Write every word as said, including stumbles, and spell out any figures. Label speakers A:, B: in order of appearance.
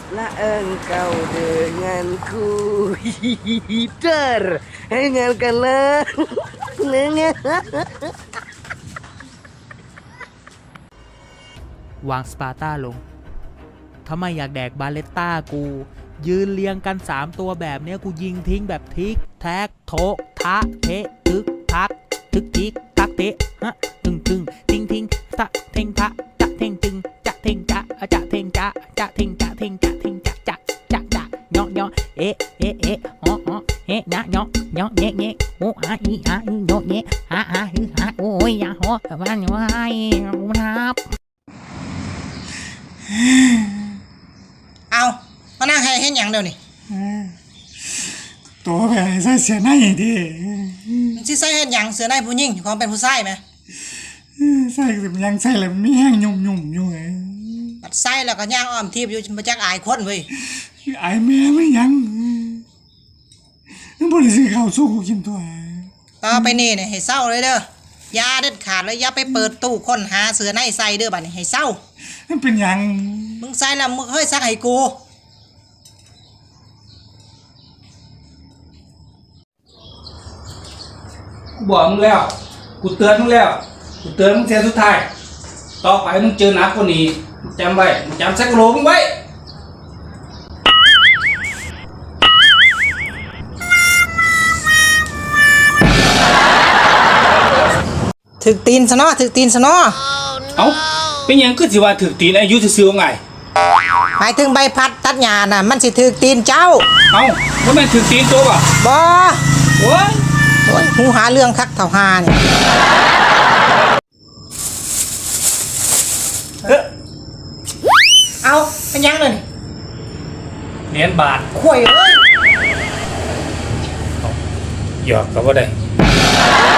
A: lah engkau denganku hider dengarkanlah
B: วางสปาร์ต้าลงถ้าไม่อยากแดกบาเลตต้ากูยืนเรียงกันสามตัวแบบเนี้ยกูยิงทิ้งแบบทิกแท็กโถทะเทะทึกทักทึกทิกทักเทะฮะตึงตึงทิ้งทิ้งตะเทงทะจะเทงตึงจะเทงจะจะเทงจะจะเทงจะเทงจะเทงจะจะจะจะเนาะเนาะเอ๊ะเอ๊ะเอ๊ะอ๋ออ๋อเอ๊ะนะเนาะเนาะเงี้ยเงี้ยโอ้อาอีอาอีโยเงี้ยอาอาฮือฮาโอ้ยยาหัวบ้านว่าไอ้ครับ
C: เอามานั่งให้เห็นอย่างเดียวนี่
D: ตัวแบบใส่เสียในดิ
C: มันสิใส่เห็นอย่างเสือในผู้หญิงความเป็นผู้ชายไหม
D: ใส่สิยังใส่แล้วมีแห้งยุ่มยุ่มอยู่ไง
C: ปัดใส่แล้วก็ย่างอ้อมทีบอยู่มาจักอายคนเว้ย
D: ไอ้แม่ไม่ยังนั่นบริสุทธิ์เขาสู้กูกินตัว
C: ต่อไปนี่เนี่ยให้เศร้าเลยเด้อยาเด็ดขาดเลยอย่าไปเปิดตู้ค้นหาเสือในใส่เด้อบัดนี้ให้เศร้า
D: นั่นเป็นยัง
C: มึงใส่แล้วมึงเฮ้ยซักให้กู
E: กูบอกมึงแล้ว กูเตือนมึงแล้ว กูเตือนมึงเสียสุดท้าย ต่อไปมึงเจอหนักกว่านี้มึงจำไว้มึงจำแซกโลมึงไว้
C: ถึกตีนซะเนาะถึกตีนซะเนาะ
E: เอ้าเป็นหยังคือสิว่าถือตีนอายุซื่อๆไง
C: หมายถึงใบพัดตัดหญ้าน่ะมันสิถึกตีนเจ้า
E: เอ้าว่าแม่นถือตีนตัวป่ะ
C: บ่
E: โอ้ย
C: โอ้ยหูหาเรื่องคักเท่าหานี่
E: เฮ้ย
C: เอาเป็นยังเลยนี่
E: เหรียญบาท
C: ข่วยเอ้ย
E: หยอกก็บ่ได้